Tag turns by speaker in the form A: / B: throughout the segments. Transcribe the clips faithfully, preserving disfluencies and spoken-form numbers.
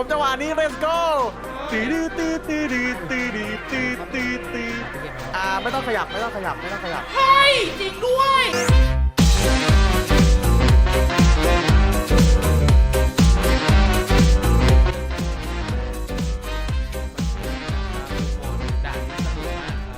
A: ผมจังหวะนี้ let's go ตีดีตีตีดีตีดีตีตีตีอ่าไม่ต้องขยับไม่ต้องขยับไม่ต้องขยับ
B: เฮ้ยจริงด้วยด่านนี้สนุกมากครับ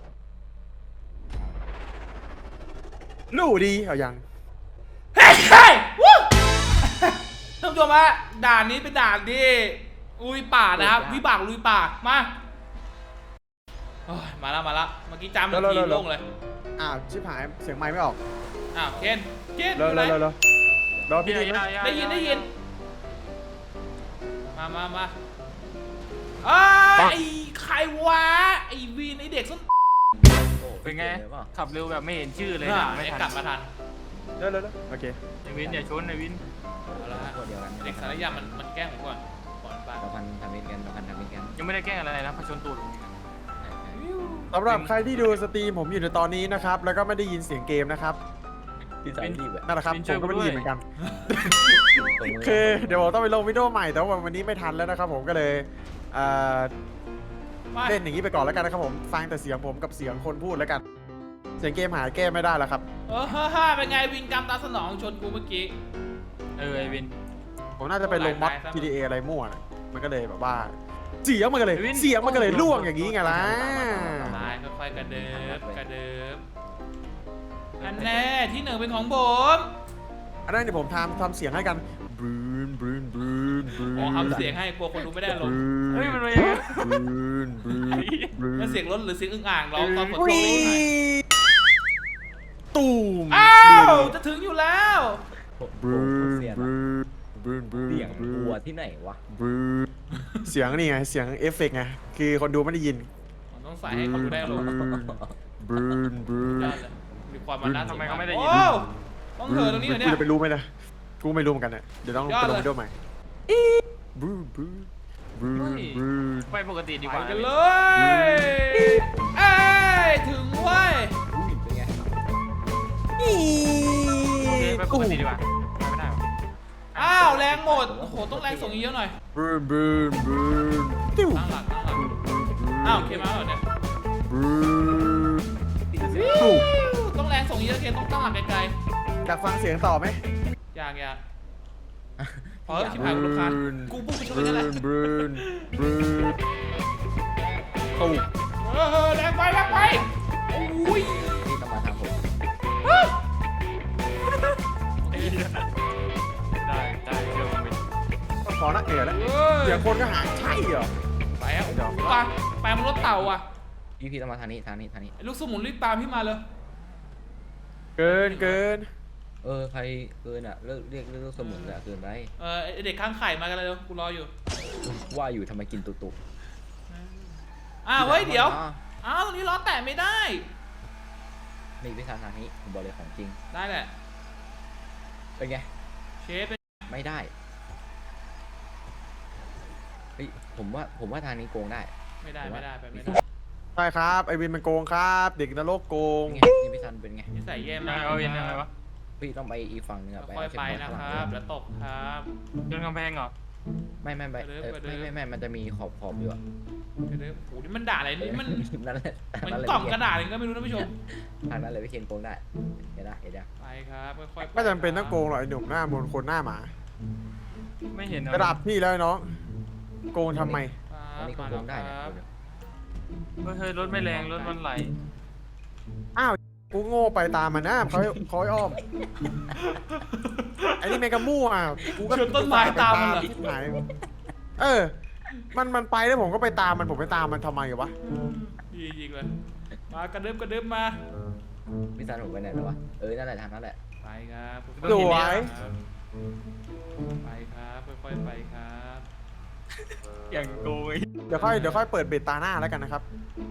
A: รู้ดีเอายัง
B: เฮ้ยเฮ้ยวู้ท่านผู้ชมฮะด่านนี้เป็นด่านที่ลุยป่านะครับวิบากลุยป่ามาโอ้ยมาแล้วมาแล้วเมื่อกี้จำหนึ่งทีโล่งเลย
A: อ้าวชิบหายเสียงไมค์ไม่ออก
B: อ้าวเคนเคนอ
A: เร็ว
B: ยู่ไห
A: เร็
B: น
A: วเร็วเร็วรอพี่ดีนะ
B: ได้ยินได้ยินมามามาเอ้ยไอ้ใครวะไอ้วีนไอ้เด็กส้น
C: เป็นไงขับเร็วแบบไม่เห็นชื่อเลย
B: น่ะ
C: นะไม่
B: ไอ้
C: ทัน
B: กลับมาทัน
A: เร็วเร็วเร็วโอเค
C: ไอวินอย่าชนไอวิน
B: เอาละฮะเด็กสารยามันมันแกล้งผมก่อนก่อนไป
D: เราพันทำมิตรกันเราพันทำมิตรกัน
C: ยังไม่ได้แกล้งอะไรนะพอชนตูดผม
A: สำหรับใครที่ดูสตรีมผมอยู่ในตอนนี้นะครับแล้วก็ไม่ได้ยินเสียงเกมนะครับ
D: ที่สายรีบอะ
A: นั่นแหละครับผมก็ไม่ได้ยินเหมือนกันคือเดี๋ยวผมต้องไปลงวิดีโอใหม่แต่ว่าวันนี้ไม่ทันแล้วนะครับผมก็เลยเอ่อ
B: ไป
A: เล่นอย่างนี้ไปก่อนแล้วกันนะครับผมฟังแต่เสียงผมกับเสียงคนพูดแล้วกัน เสียงเกมหายแก้ไม่ได้แล้วครับ
B: เออฮ่าฮ่าเป็นไงวินกรรมตามสนองชนกูเมื่อกี้
C: เออไอวิน
A: ผมน่าจะไปลงม็อด
B: หลายๆ
A: พี ดี เอ อะไรมั่วนะมันก็เลยแบบว่าเสียงมันก็เลยเสียงมันก็เลยล่วงอย่างนี้ไงล่ะ
B: ตายค่อยๆกระเดิบกระเดิบอันแน่ที่หนึ่งเป็นของผม
A: อันนั้นเดี๋ยวผมทำทำเสียงให้กันบรูนบรูนบรูนบรูน
B: อ๋อทำเสียงให้กลัวคนดูไม่ได้ลง
C: เฮ้ยมันเป็น
A: บรูนบรูนบรูน
B: มันเสียงรถหรือเสียงอึ่งอ่างร้องตอนฝนตก
A: วี
B: นี่ไง
A: ตูม
B: อ้าวจะถึงอยู่แล้ว
A: บรูน
D: เสียง
A: บรูนบรูนบรูน
D: เสียงกลัวที่ไหนวะ
A: บรูนเสียงนี่ไงเสียงเอฟเฟกต์ไงคือคนดูไม่ได้ยิน
B: ผมต้องใส่ให้เขาดูได้ลง
A: บรูนบรูน
B: ได้เลยมีความมันน่า
C: ทำไมเขาไม่ได้ยิน
B: โอ้ต้องเหินตรงนี้เหรอเนี่ย
A: กูจะไปรู้ไหมนะกูไม่รู้เหมือนกันเนี่ยเดี๋ยวต้อง
B: ยอ
A: ไป
B: ด
A: ล
B: เลย
A: งวิดีโอใหม่บรูนบรูนบรูนบรูน
C: ไปปกติดี
B: ไป
C: กว่า
B: กันเลยเอ้ยถึงเว้ย
D: อุ้ยเป็นไง
C: โอเคไปปกติดีกว่าไปไม่ได้หรอ
B: อ้าวแรงหมดโอ้โหต้องแรงส่งเยอะหน่อย
A: บรูนบรูนบรูนติ้ว
B: ตั้งหลักตั้งหลักอ้าวโอเคมาแล้วเหรอเนี่ย
A: บรูน
B: วิวต้องแรงส่งเยอะเคนต้องตั้งหลักไกล
A: อยากฟังเสียงต่อไหม
B: ๆอย่างอย่างพอแล้วชิบหายกูรำคาญกูพูดไปช่วยกันแหละ
A: บรูนบรูนตู้
B: เออแรงไปแรงไปอุ้ย
D: นี่ต้องมาทางผม
C: ได้ได้เชื่อผมวิน
A: ขอนักเอ๋แล้ว
B: เฮ้ย
A: เสียงคนก็หายใช่เหรอ
B: ไปอ่ะไปไปมันรถเต่าอ่ะ
D: พี่พี่ต้องมาทางนี้ทางนี้ทางนี้
B: ไอ้ลูกสมุนรีบตามพี่มาเลย
A: เกินเกิน
D: เออใครเกินอ่ะเลิกเรียกเรียกสมุนอะเกินไป
B: เออไอ้เด็กข้างไข่มากันเลยเร็วกูรออยู่
D: ว่าอยู่ทำไมกินตุกตุก
B: อ้าวเฮ้ยเดี๋ยวอ้าวตรงนี้ล้อแตะไม่ได้
D: นี่พี่ทางทางนี้ผมบอกเลยของจริง
B: ได้แหละ
D: เป็นไง
B: เชฟเป็น
D: ไม่ได้เฮ้ยผมว่าผมว่าทางนี้โกงได้
B: ไม่ได้ไม่ได้ไปไม่ได้
A: ใช่ครับไอวินมันโกงครับ เด็กนรกโกง
D: เป็นไงนี่พี่ทันเป็นไง
B: นิสัยแย่
C: ยัง
B: มา
C: ไง
B: ก
C: เอาวินยังไงวะ
D: พี่ต้องไปอีกฝั่งนึงอะไป
B: ค่อย
D: เอาเข็
B: ไป
D: ม
B: นะ
D: ขัด
B: ค
D: ข้างห
B: รั
D: ลั
B: บ
D: ง
B: แล้วตกครับ
C: ชนกำแพงเหรอ
D: ไม่ไม่ไม่
B: ไปเลย
D: เออ
B: ไปเลย
D: ไม่ไม่ไม่มันจะมีขอบขอบอยู่อะ
B: เดี๋ยวโอ้โหนี่มันด่าอะไรนี่มัน
D: นั่นแหละ
B: มัน
D: นั่นแหละ
B: กล่อง
D: พี่
B: ก
D: เคน
B: ระดาษเองก็ไม่รู้นะผู้ชม
D: ทางนั้นเลยพี่เคนโกงได้เห็นนะเห็นยัง
B: ไปครับค่อยๆ
A: ไม่จำเป็นต้องโกงหรอกไอหนุ่มหน้ามนต์คนหน้าหมา
C: ไม่เห็นเหรอ
A: ระดับพี่แล้วไอ้น้อง โกงทำไม
D: อันนี้ก็
B: มา
D: โก
B: แล้ว
D: ง
B: ค
D: ได้
B: รั
D: เนี่ย
B: บ
C: เฮ้ยรถไม่แรงรถมันไหล
A: อ้าว กูโง่ไปตามมันนะเขาเขาให้อ้อม ไอ้นี่แมงกะมู่อ่ะกูก็
B: ชนต้นไม้ตามมันเหรอ
A: ชิบหายเออ มันมันไปแล้วผมก็ไปตามมันผมไปตามมันทำไมวะ
B: ดีจริงเลยมากระดึบกระดึบมา
D: พี่ซันผมไปไหนแล้ววะเออนั่นแหละทางนั้นแหละ
B: ไปครับ
A: สวย
B: ครับไปครับค่อยๆไปครับ
C: อย่างโกย
A: เดี๋ยวค่อยเดี๋ยวค่อยเปิดเบตตาหน้าแล้วกันนะครับ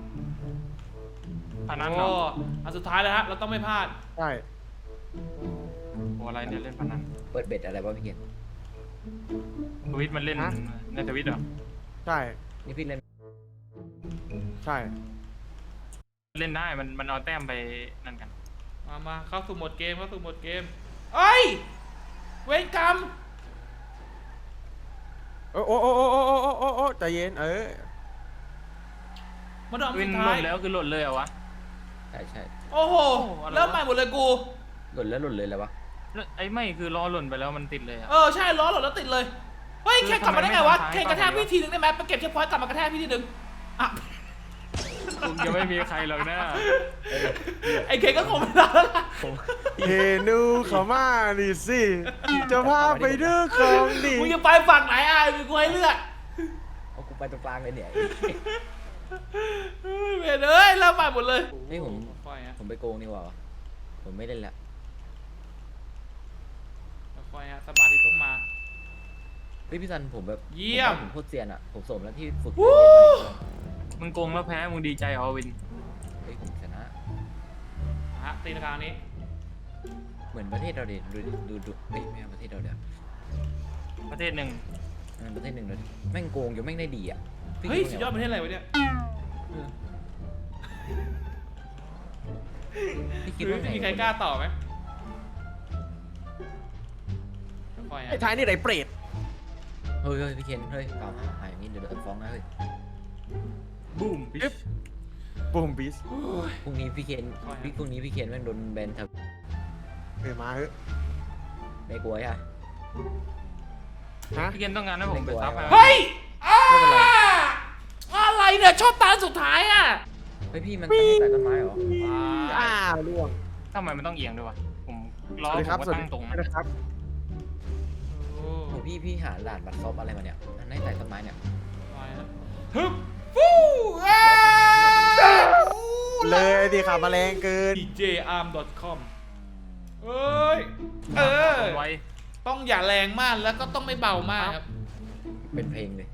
C: อันนั้นเหร
B: โอ้
C: อ
B: อันสุดท้ายแล้วฮะเราต้องไม่พลาด
A: ใช่
C: โอ้อะไรเนี่ยเล่นพนัน
D: เปิดเบ็ดอะไรวะพี่เคน
C: ทวิตมันเล่นในทวิตเหรอ
A: ใช่
D: นี่พี่เล่น
A: ใช่
C: เล่นได้มันมันเอาแต้มไปนั่นกัน
B: มามาเข้าสู่โหมดเกมเข้าสู่โหมดเกมเอ้ยเวรกรรม
A: โอ้โอ้โอ้โอ้โอ้โอ้โอ้โอ้ใจเย็นเออ
B: มาดอม
C: วิ
B: สุ
C: น
B: ด
C: ห
B: ท้า
C: ล่
B: ย
C: นแล้วคือหล่นเลยเหรอวะ
D: ใช่ใช่
B: โอ้โห
C: อะไรวะ
B: เริ่มใหม่หมดเลยกู
D: หล่นแล้วหล่นเลยแล้ววะ
C: แล้วไอ้ไม่คือล้อหล่นไปแล้วมันติดเลยอะ
B: เออใช่ล้อหล่นแล้วติดเลยเฮ้ย
C: คือ
B: แค่กลับมาได้ไงวะ
C: ทำไมไม่
B: แค่
C: ทำ
B: กระแทก
C: ซ้าย
B: พี่ทีนึงได้ไหมไปเก็บเช็คพอยต์กลับมากระแทกพี่ทีนึงอ่ะ
C: คงจะไม่มีใครหรอกนะ
B: ไอ้เคก็คงไม่ได้แล้วล่ะ
D: ผม
A: เฮนูเขามาดิสิจะพาไปดูของดี
B: มึงจะไปฝั่งไหนอ่ะมีกูให้เลือก
D: เอากูไปตรงกลางเลยเนี่ย
B: เฮ้ยเวรเอ้ยเริ่มใหม่หมดเลย
D: เฮ้ยผม
B: ค่อยๆฮะ
D: ผมไปโกงนี่หว่าวะผมไม่เล่นละ
B: ค่อยๆฮะสมาธิต้องมา
D: เฮ้ยพี่ซันผมแบบ
B: เยี่ยม
D: ผมโคตรเซียนอ่ะผมสมแล้วที่ฝึก
B: วู้
D: เล่นไป
C: มึงโกงแล้วแพ้มึงดีใจเหรอวิน
D: เฮ้ยผมชนะ
B: ฮะตีนกลางนี้
D: เหมือนประเทศเราเด็ดดูดิดูดูเฮ้ยไม่เอาประเทศเราเดี๋ยว
C: ประเทศหนึ่ง
D: เออประเทศหนึ่งเลยแม่งโกงอยู่แม่งได้ดีอ่ะพี่
B: เฮ้ย
D: คิ
B: สุด
D: ว่าย
B: อดประเทศอะไรวะเนี่ย
D: เออพี่คิ
B: คิ
D: ด
B: ด
D: ว่า
B: ว่า
D: ไง
B: มีใครกล้าต่อไหมค่อยๆ
A: ไอ้
B: ฮะ
A: ท้ายนี่ไรเปรต
D: เฮ้ยเฮ้ยพี่เคนเฮ้ยกล่าวหาหาอย่างนี้เดี๋ยวโดนฟ้องนะเฮ้ย
C: บูม
A: เอ๊ะบูมบีส
B: โอ้ย
D: พรุ่งนี้พี่เคนพี่พรุ่งนี้พี่เคนแม่งโดนแบนทับ
A: เออมาเฮ้ย
D: ไม่กลัวใช่ไหม
A: ฮะ
C: พี่เกนต้องการให้ผมไปซับให้
B: เฮ้ยอ้า
D: ไม่เป็นไร
B: อะไรเนี่ยชอบตาสุดท้ายอ่ะ
D: เฮ้ยพี่มันตั้งแต่ต้นไม้เหรอ
A: อ้าวล่วง
C: ทำไมมันต้องเอียงด้วยวะผมล้อ
A: สวัสดี
C: ผ
A: ครับ
C: มก็
A: สวัส
C: ตั้
A: ดี
C: งตรง
A: ค
C: นะ
A: รับ
B: โอ้
D: โหพี่พี่หาหลานบัตรซอฟอะไรมาเนี่ยอันไหนใต้ต้นไม้เนี่ย
B: ไปฮะฮึบฟู้อ้า
A: เลยดิขับมาแรงเกิน
B: ดี เจ อาร์ม ดอท คอม เอ้ย เออ
C: ไว้
B: ต้องอย่าแรงมากแล้วก็ต้องไม่เบามากครับ
D: เป็นเพลงเลย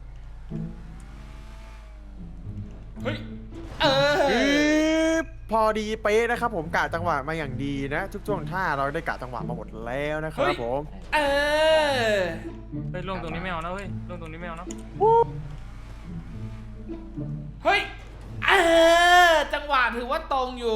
B: เฮ้ย เออ
A: ฮึบพอดีเป๊ะนะครับผมกะจังหวะมาอย่างดีนะทุกช่วงท่าเราได้กะจังหวะมาหมดแล้วนะครับผม
B: เออ
C: เฮ้ยลงตรงนี้ไม่เอานะเว้ยลงตรงนี้ไม่เอานะ
B: เฮ้ย เออ จังหวะถือว่าตรงอยู่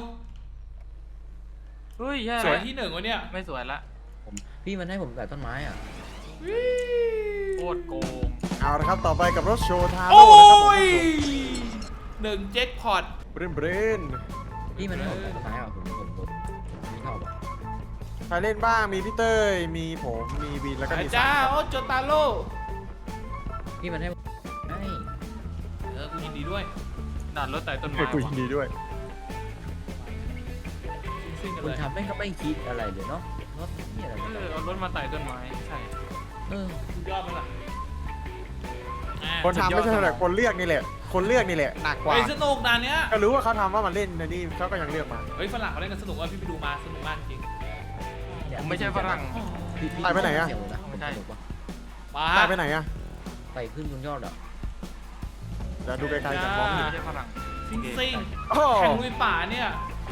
C: เฮ้ยแย่
B: สวย
C: ละ
B: ที่หนึ่งวะเนี่ย
C: ไม่สวยละ
D: ผมพี่มันให้ผมใต้ต้นไม้อ่ะ
C: โคตรโกง
A: เอาละครับต่อไปกับรถโชว์ทา
B: โอ้
A: โร่นะครับผม
B: ยหนึ่งเจ็คพอต
A: เบรนเบรน
D: พี่มันให้ผมใต้ต้นไม้อ่ะผมผมผมไม่ชอบอ่ะ
A: ใครเล่นบ้างมีพี่เต้ยมีผมมีวินแล้วก็
B: อา
A: มี
B: จา
A: สาร
B: ย์
A: ม
B: โอ้โจตาโร่
D: พี่มันให้ผมให้
B: เออกูยินดีด้วย
C: ดัดรถไต่ต้น
A: เอ
C: ไม้
A: อกูยิ
C: วะ
A: นดีด้วย
B: ซิ่งๆกัน
D: คุ
B: เล
D: ณ
B: ย
D: ทำแม่งก็ไม่คิดอะไรเลยเนาะรถนี่อะไร
C: เอ
D: ไม่
C: อ
D: ได้
C: เอารถมาไต่ต้นไม้ใช่
D: เออ
B: สุดยอดมั้ยล่ะอ่ะ
A: คนทำไม่ใช่แต่คนเลือกนี่แหละ คนเลือกนี่แหละหนักกว่า
B: เฮ้ยสนุกด่านเนี้ย
A: ก็รู้ว่าเขาทำว่ามันเล่นนะนี่เขาก็ยังเลือกมา
B: เฮ้ยฝรั่งเขาเล่นกันสนุกว่าพี่ไปดูมาสนุกมากจริง
C: ผมไม่ใช่ฝรั่ง
D: พี่พี่
A: ไปไปไหนอะ
D: เสียงนะ
C: ไม่ใช่
D: สนุกปะ
B: มา
A: ตายไปไหนอะ
D: ไปขึ้นบนยอดอ่ะ
A: เดี๋ยวดูไกลๆจากมองไม่เห็น
C: ไม่ใช่ฝรั่ง
B: ซิ่งซิ่ง
A: โอ้
B: แข่งลุยป่าเนี่ย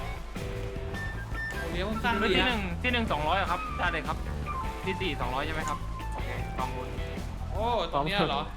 B: โอ้เลี้ยวข้าง
C: รถ
B: ๆดี
C: ที่ห
B: นะ
C: นึ่งที่หนึ่งสองร้อยอะครับได้เลยครับที่สี่สองร้อยใช่ไหมครับโอเคลองวน
B: โอ้ตรงเนี้ยเหรอ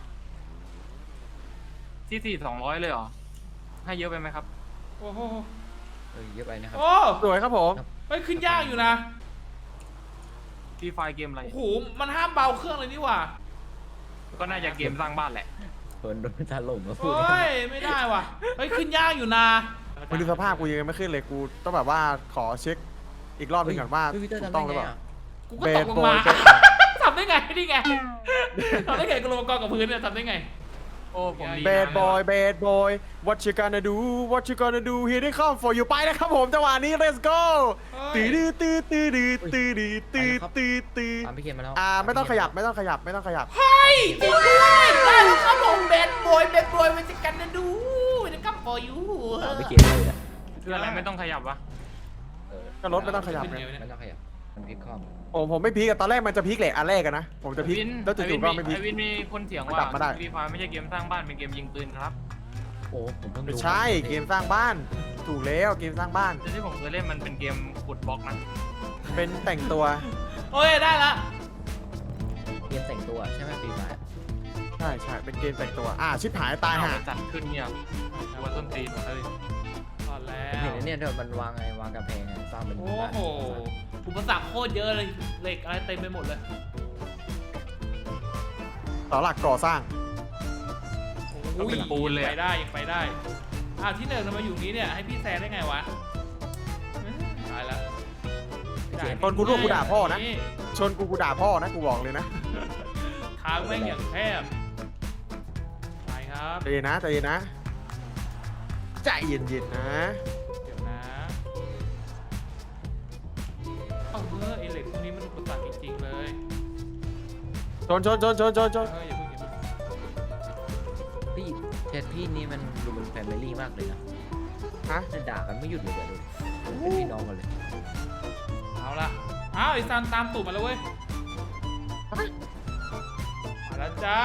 C: ที่สี่สองร้อยเลยเหรอให้เยอะไปไหมครับ
B: โอ้โห
D: เออเยอะไปนะครับ
B: โอ้
A: สวยครับผม
B: เฮ้ยขึ้นยากอยู่นะ
C: ฟรีไฟเกมอะไร
B: โอ้โหมันห้ามเบาเครื่องเลยนี่หว่า
C: ก็น่าจะเกมสร้างบ้านแหละ
D: เพิ่นโดนถล่มมาพูด
B: โอ้ยไม่ได้ว่ะเฮ้ยขึ้นยากอยู่นะ
A: มันดูสภาพกูยังไม่ขึ้นเลยกูต้องแบบว่าขอเช็คอีกรอบหนึงก่อนว่า
D: เฮ้ยพี่เตอร์
A: ถู
D: ทำ
A: ก
D: ได้
A: ต้องหรือ
D: ไง
A: เปล่า
D: อ่ะ
B: กูก็ตกลงมา
A: Bad boy
B: ทำได้ไงนี่ไงทำได้ไงกูลงมากองกับพื้นเนี่ยทำได้ไง
C: โอ้ผมดี
A: แบดบอยแบดบอย what you gonna do what you gonna do here they come for you ไปแล้วครับผมจังหวะนี้ let's go
B: เฮ้
A: ตื้
B: ย
A: อตื้อตื้อตื้อตื้อตื้อตื้อตื้อตื้อ
D: ตามพี่เคนมาแล้ว
A: อ่าไม่ต้องขยับไม่ต้องขยับไม่ต้องขยับ
B: เฮ้ยจริงด้วยได้แล้วครับผมแบดบอยแบดบอยมันจะกันนะดูมันจะกับฟอยู
D: ตามพี่เคนเลยอ่ะ
C: คืออะไรไม่ต้องขยับวะ
D: เออ
A: ก็รถไม่ต้องขยับไง
D: ไม่ต้องขยับมันพลิกคอม
A: ผมผมไม่พีกอะตอนแรกมันจะพีกแหละอันแรกอะนะผมจะพีก
C: วิน
A: แล้วจู่ๆก็ไม่พีก
C: ไอวินมีคนเถียง
A: มัน
C: ว่าก
A: ลับมาได้
C: ฟรีไฟไม่ใช่เกมสร้างบ้านเป็นเกมยิงปืนครับ
D: โอ้ผมเพิ่ง
A: ไม่
D: ดู
A: ใช่เกมสร้างบ้าน ถูกแล้วเกมสร้างบ้าน
C: แต่ที่ผมเคยเล่นมันเป็นเกมขุดบล็อกนะ
A: เป็นแต่งตัว
B: โอ้ยได้ละ
D: เกมแต่งตัวใช่ไหมปีใหม่
A: ใช่ใช่เป็นเกมแต่งตัวอ่าชิบหายตาย
C: เอ
A: ห่า
C: จัดขึ้นเนี่ยวัวต้นตีนหมดเลย
B: ตอนแล้
D: ผมเห็น
B: ว
D: ไอ้เนี่ยเดี๋ยวมันวางไงวางกำแพงไงสร้างเป็น
B: โอ้
D: บ้าน
B: โหอุปสรรคโคตรเยอะเลยเหล็กอะไรเต็มไปหมดเลย
A: าหลักก่อสร้าง
C: ต้องเป็นปูนเลย
B: ไป
C: อะ
B: ได้ยังไปได้อ้าวที่หนึ่งทำไมอยู่นี้เนี่ยให้พี่แซงได้ไงวะเอ้ยตายแล้ว
A: ตอนกูร่วงกูด่าพ่อนะ ชนกูกูด่าพ่อนะกูบอกเลยนะ
B: ทางแม่งอย่างแคบไปครับ
A: ใจเย็นนะใจเย็นนะใจเย็นๆนะ
B: เดี๋ยวนะเอาเออไอเหล็กพวกนี้มันอุปสรรคจริงๆเลย
A: ชนชนชนชนชนชน
B: เอออย่าเพิ่งอย่าเพิ่ง
D: พี่เชดพี่นี่มันดูเป็นแฟมิลี่มากเลยนะ
A: ฮะ
D: จะด่ากันไม่หยุดเลยเดี๋ยวดูเป็นพี่น้องกันเลย
B: เอาละอ้าวไอซันตามตูดมาแล้วเว้ยมาแล้วจ้า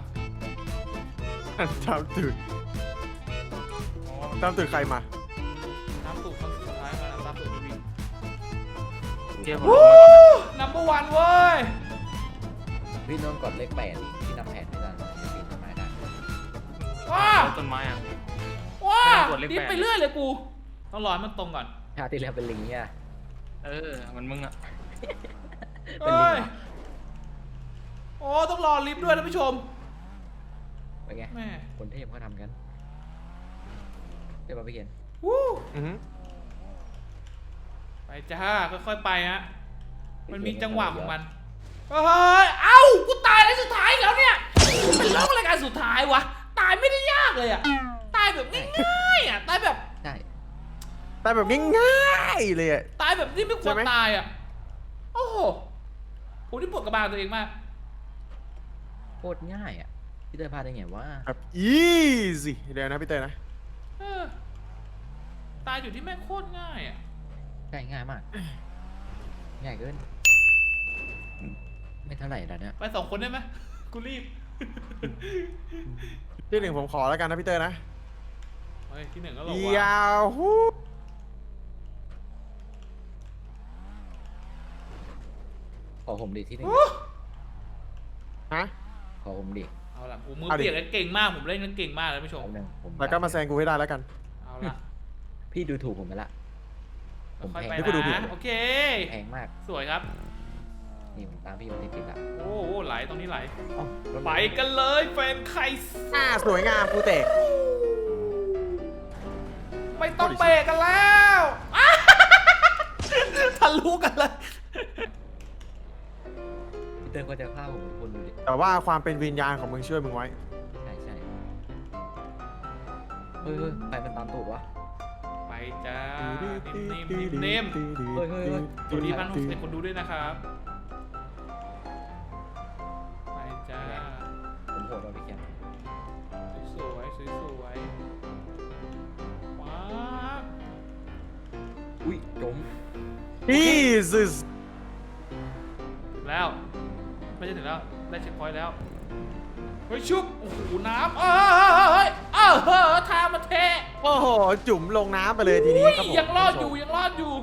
A: ตามตื่น
B: อ๋อ
A: ตามตื่นใครมา
B: ตามตูดคนสุดท้ายมาตามตูดพี่วิน
C: เดี๋ยวผม
B: วู้นัมเบอร์วันเว้ย
D: พี่น้องกดเลขแปดดิพี่นำแผนไม่ได้จะปีนต้นไม้ได้
B: ว้า
C: ต้นไม้อะ
B: ว้า
C: ไม่ต้องกดเลขแปด
B: ดิฟไปเรื่อยเลยกูต้องรอให้มันตรงก่อน
D: ชาติที่แล้วเป็นลิงเนี่ย
C: เออมันมึงอะ
D: เป็นลิ
B: เอ้
D: ง
B: ย
D: เหรอ
B: โอ้ต้องรอลิฟต์ด้วยท่านผู้ชม
D: เป็นไง
B: แม่
D: คนเทพเขาทำกันเดี๋ยวมาพี่เขียน
B: วู้
A: อือฮึ
B: ไปจ้าค่อยๆไปฮะมันมีจังหวะของมันเฮ้ยเอ้ากูตายในสุดท้ายอีกแล้วเนี่ยเป็นเรื่องอะไรกันสุดท้ายวะตายไม่ได้ยากเลยอะตายแบบง่ายๆอะตายแบบ
D: ใช่
A: แต่แบบง่ายๆเลยอะ
B: ตายแบบที่ไม่คว
A: ใช่
B: ร
A: ไหม
B: ตายอะโอ้โหผมที่ปวดกระบาลตัวเองมาก
D: โคตรง่ายอ่ะพี่เตยพลาดได้ไงวะ
A: แบบ easy เดี๋ยวนะพี่เต้ยนะ
B: เออตายอยู่ที่แม่งโคตรง่ายอ่ะ
D: ง่ายง่ายมาก ง่ายเกิน ไม่เท่าไหร่แล้วเนี่ย
B: ไปสองคนได้ไหมกูรีบ
A: ที่หนึ่งผมขอแล้วกันนะพี่เต้ยนะ
B: เฮ้ยที่หนึ่งก็หลอก
A: ย
B: ว่า
A: าวฮู้
D: ขอผมดิที่หนึ่ง
A: ฮะ
D: ขอผมดิ
B: เอาละกูมือ
A: เอาดิ
B: เปียกแล้วเก่งมากผมเล่นแล้วเก่งมากเลยท่านผู้ชม
D: เอาหนึ่งผม
A: แล้วก็มาแซงกูให้ได้แล้วกัน
B: เอาละ
D: พี่ดูถูกผมไปละ ผม
B: ค่อย
D: แพ
B: ๆไป
D: ง
A: เดี๋ยวกูดูผิด
B: นะโอเค
D: แพงมาก
B: สวยครับ
D: นี่ผมตามพี่โยติดติดอ่ะ
B: โอ้โหไหลตรงนี้ไหล
D: เอ้าแล้ว
B: ไปกันเลยแฟนใคร
A: อ่าสวยงามกูเตะ
B: ไม่ต้องเบรกกันแล้ว อ้าทะลุกันเลย
D: พี่เตยก็จะฆ่าผมทุกคนดูดิ
A: แต่ว่าความเป็นวิญญาณของมึงช่วยมึงไว้
D: ใช่ใช่เฮ้ยเฮ้ยใครมันตามตูดวะ
B: ไปจ้านิ่มๆนิ่มๆ
D: เฮ้ยเฮ้ยเฮ้ย
B: สวัสดีพันหกสิบคนดูด้วยนะครับ ไปจ้า
D: ผมโหดว่าพี่เขียน
B: สวยๆสวยๆว้าว
D: อุ้ยจม
A: Jesus
B: ถึงแล้ว ไม่ใช่ถึงแล้ว ได้เช็คพอยต์แล้ว เฮ้ยชุบ โอ้โห น้ำเอ้ยเอ้ยเฮ้ยทางมันเท
A: โอ้โห จุ่มลงน้ำไปเลยทีนี้
B: อุ้ย
A: ครับผม
B: ยังรอดอยู่ ยังรอดอยู่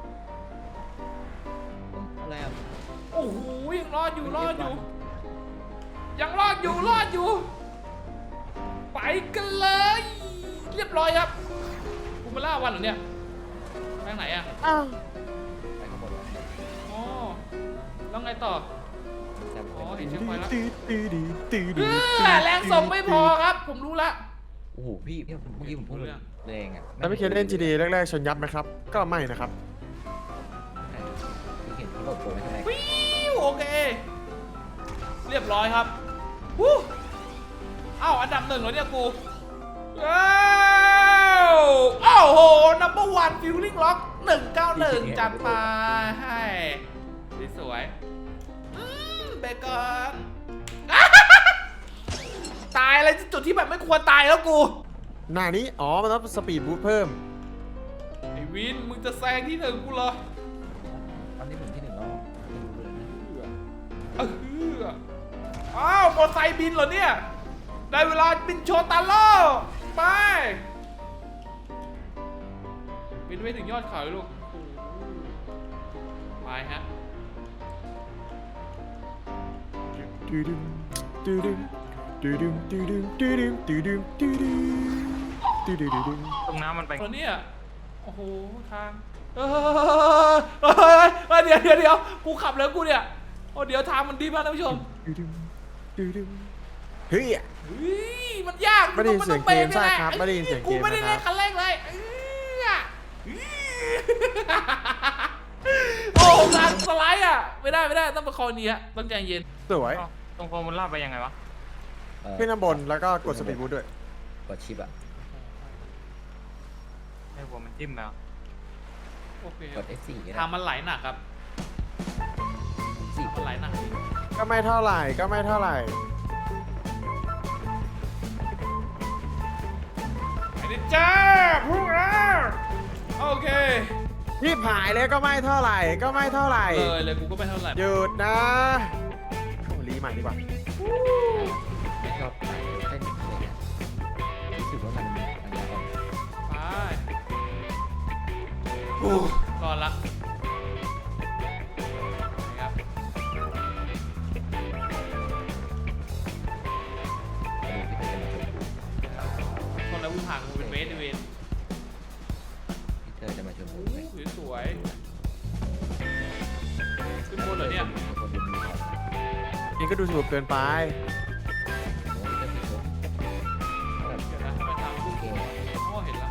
D: อะไรอ่ะ
B: โอ้โห ยังรอดอยู่ รอดอยู่ ยังรอดอยู่ รอดอยู่ ไปกันเลย เรียบร้อยครับกูมาล่าวันเหรอเนี่ยไปทางไหนอะ
A: อ้าว
D: ไปข้างบนวะ
B: อ๋อแล้วไงต่อ
D: แต่ผม
B: อ๋อ
D: เป็
B: เห็น
D: น
B: เช็คพอยต์แล้ว
A: ตื้อตื้อตื้อตื้อ
B: เอ
A: ตื้อ
B: อแรงส่งไม่พอครับ ผมรู้ละ
D: โอ้โหพี่พี่เมื่อกี้ผมพูดแรงอ่ะ
A: แล้วไม่เคยเล่น จี ดี แรกๆชนยับไหมครับ ก็ไม่นะครับ
D: พี่เห็นเขาโหลดโปรไว้ทำไม
B: วิวโอเค เรียบร้อยครับวู้เอ้าอันดับหนึ่งเหรอเนี่ยกูว้าวโอ้โห นัมเบอร์วันฟิลลิ่งล็อกหนึ่งเก้าหนึ่งจัดไปให้สวยๆอืมเบเกอน ตายอะไรจุดที่แบบไม่ควรตายแล้วกู
A: หน้านี้ อ๋อ มันต้องสปีดบูทเพิ่ม
B: ไอ้วิน มึงจะแซงที่หนึ่งกูเหรอ
D: ตอนนี้ผมที่หนึ่งแล้วไม่รู้เลยนะ
B: เอออ้าวมอเตอร์ไซค์บินเหรอเนี่ย ได้เวลาบินโชว์ตาโล่ไป บินไปถึงยอดเขาเลยลูกโอ้โหไปฮะ
A: ตื้อดึงตื้อดึงตื้อดึงตื้อดึงตื้อดึงตื้อดึงตื้อดึงตื้อดึงตื้อดึง
C: ตรงน้ำมันไป
B: ตอนนี้อ่ะโอ้โห ทาง เออเฮ้ยเดี๋ยวเดี๋ยวเดี๋ยวกูขับแล้วกูเนี่ย โอ้เดี๋ยวทางมันดีมากท่านผู้ชม
A: ตื้อดึงตื้อดึงเฮ้ย
B: เฮ้ยมันยาก
A: ไม่ได้ยินเสียงเกมใช่ครับไม่ได้ยินเสียงเกม
B: กูไม่ได้
A: นะครับ
B: เล่นคันแรกเลยเอ้ยโอ้งานสไลด์อ่ะไม่ได้ไม่ได้ต้องประคองนี้ฮะต้องใจเย็น
A: สวย
C: อ้าวตรงฟอร์มูล่าไปยังไงวะ
D: เอ่อ
A: ขึ้นข้างบนแล้วก็กดสปีดบูทด้วย
D: กดชิปอะ
C: ไอ้หัวมันจิ้มแล้ว
B: โอเค
D: กด เอฟ โฟร์ ก็ได้
B: ทางมันไหลหนักครับ
D: สี่
B: มันไหลหนักจริง
A: ก็ไม่เท่าไหร่ก็ไม่เท่าไหร่
B: ไอ้นี่จ้าพูดแล้วโอเค
A: ที่ผายเลยก็ไม่เท่าไหร่ก็ไม่เท่าไหร่
B: เลยเลยกูก็ไม่เท่าไหร่
A: หยุดนะโอ้รีใหม่ดีกว่า
D: ไม่ชอบเต้นอะไรเงี้ยรู้สึกว่ามันมันยากกว่า
B: ไปโอ้ก่อนละนะครับ
D: มาดูพี่เตอร์จะมาชวนกู
B: คนละวิ่งห่างกูเป็นเมตรเวน
D: พี่เตอร์จะมาชวนกูไหม
B: สวยๆขึ้นบนเหรอเนี่ย
D: คนดูมีของ
A: นี่ก็ดูสนุกเกินไป
D: โอ้พี่เตอร์พี่ชวนแบบ
B: เดี๋ยวนะทำไมทางกู
D: เก่ง
B: โอ้เห็นแล้ว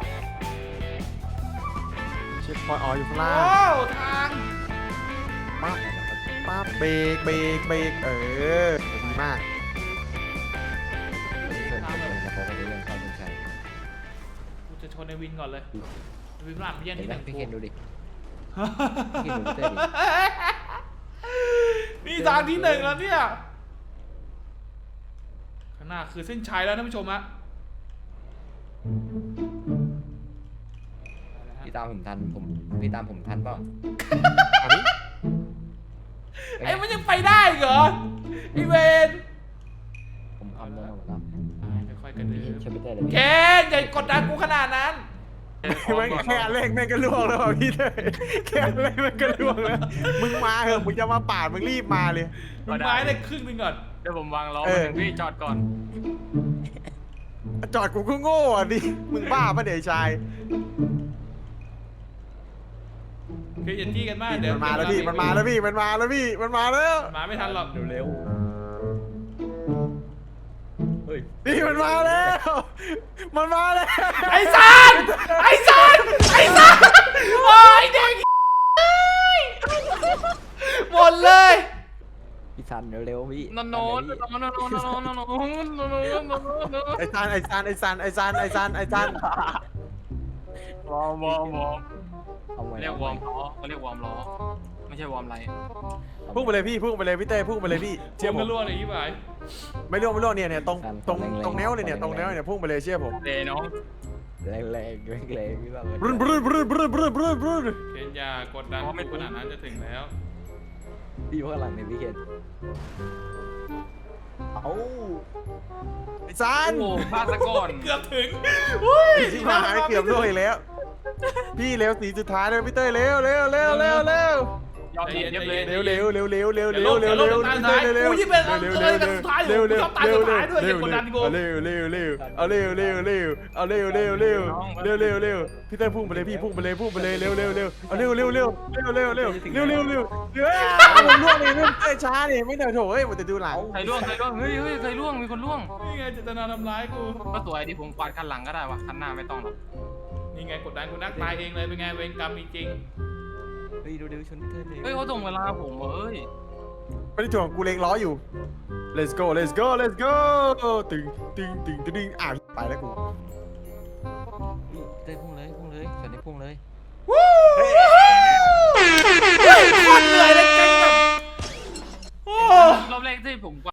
A: เช็คพอยต์อ๋ออยู่ข้างล่าง
B: โอ้ทาง
A: ปั๊บปั๊บเบรกเบรกเบรกเออดีมาก
D: พี่เตอร์ชวนกูแล้วเขาก็จะเรื่องเข้าเส้นชัย
B: กูจะชนในวินก่อนเลยวินหลังไม่แย่ง
D: เห็น
B: ที่
D: ไห
B: ห
D: ม
B: นึ่ง
D: พี่
B: กู
D: เคนดูดิ พี่เคนดูพี่เตอร์ดิ
B: นี่ทางที่หนึ่งแล้วเนี่ยข้างหน้าคือเส้นชัยแล้วท่านผู้ชมฮะ
D: พี่ตามผมทันผมพี่ตามผมทันเปล่า
A: อันนี้
B: ไอ้มันยังไปได้เหรอไอเวน
D: ผมทำได้หมดแล้ว
B: ค่อยๆกระเดิ
D: พี่
B: น
D: ช่วยพี่เตอร์เลย
B: เก
D: พี่
B: นอย่ากดดันกูขนาดนั้น
A: ไม่แค่อันเร่งแม่งก็ล่วงแล้วอ่ะพี่เลยแค่อันเร่งแม่งก็ล่วงแล้วมึงมาเหอะมึงจะมาปาดมึงรีบมาเลย
B: มึงไม้ได้ครึ่งหนึงก่อน
C: เดี๋ยวผมวางล้อ
A: เอ
C: มา
A: อ
C: ถึงพี่จอดก่อน
A: จอดกูก็โง่อ่ะดิมึงบ้าปะเดี๋ยวไอ้ชาย
B: คืออย่าจี้กันมากเดี๋ยว
A: มันมาแล้วพี่มันมาแล้วพี่มันมาแล้วพี่มันมาแล้ว
B: มาไม่ทันหรอก
D: เร็วเฮ้ย
A: พี่มันมาแล้วมันมาแล้ว
B: ไอ้ซันไอ้ซันไอ้ซันโอ้ยเด็กหมดเลย
D: พี่ซันเร็วๆพี่
C: นอนนอนนอนนอนนอนนอนนอนนอนนอนนอน
A: ไอ้ซันไอ้ซันไอ้ซันไอ้ซันไอ้ซันไอ้ซัน
C: วอร์มวอร์มวอร์ม
D: เอาไว้
C: เรียกวอร์มล้อเขาเรียกวอร์มล้อไม่ใช่วอร์มไร
A: พุ่งไปเลยพี่พุ่งไปเลยพี่เต้พุ่งไปเลยพี่
B: เชื่
A: เชื่
B: อ
A: อ
B: ม
A: ผ
B: กัน
A: ม
B: รั่วเลยยี่บ่าย
A: ไม่ร่วงไม่ร่วงเนี่ยเนี่ยตรงตรงตรงแนวเลยเนี่ยตรงแนวเนี่ยพุ่งไปเลยเชื่อผม
C: เลน้อง
D: แรงแรงแรงแรงพี่ซัน
A: บรึ้นบรึ้นบรึ้นบรึ้นบรึ้นบรึ้นบรึ้น
B: เคนอย่ากดดันกูขนาดนั้นจะถึงแล้ว
D: พี่อยู่ข้างหลังเนี่ยพี่เคนเอ้า
A: ไอ้ซัน
C: โอ้พลาดซะก่อน
B: เกือบถึงอุ้ย
A: ที่มาเกือบร่วงอีกแล้ว พี่เร็วสีสุดท้ายเลยพี่เต้เร็วเร็วเร็วเร็วเร็วย
C: อมเย็บเลย
A: เร็วเร็วเร็วเร็วเร็ว
B: เดี๋
A: เร็
B: ยว
A: ว
B: ล
A: เร็
B: ง
A: ว
B: เดี๋ยวล
A: เร็
B: ง
A: ว
B: จากทางซ้ายกูยี่เป็นเออกันสุดท้ายอยู่กูชอบตายสุดท้ายด้วยอย่ากดดันกู
A: เร็วเร็วเร็วเอาเร็วเร็วเร็วเอาเร็วเร็วเร็วเร็วเร็วเร็วพี่เต้พุ่งไปเลยพี่พุ่งไปเลยพุ่งไปเลยเร็วเร็วเร็วเอาเร็วเร็วเร็วเร็วเร็วเร็วเร็วเร็วเร็วเร็วเร็วผมล่วงเองไม่เต้ช้าเนี่ยไม่เดินโถเฮ้ยมันจะดูหลัง
C: ใครล่วงใครล่วงเฮ้ยเฮ้ยใครล่วงมีคนล่วง
B: นี่ไงเจตนาทำร้ายกู
C: ก็สวยที่ผมกวาดคันหลังก็ได้วะคันหน้าไม่ต้องหรอก
B: นี่ไงกดดันกูนักตายเองเลยเป็นไงเวรกรรมมีจริง
D: เฮ้ยดูเร็วชนพี่เตอร์เลย
C: เฮ้ยเขาส่งเวลาผมเอ้ย
A: ไม่ได้ถ่วงกูเล็งล้ออยู่ let's go let's go let's go ตึงตึงตึงตึงอ่ะไปแล้วกู
D: พี่เตอร์พุ่งเลยพุ่งเลยชนได้พุ่งเลย
B: วู้โคตรเหนื่อยเลยเก่งแบบโอ้
C: รอบแรกที่ผมกวาด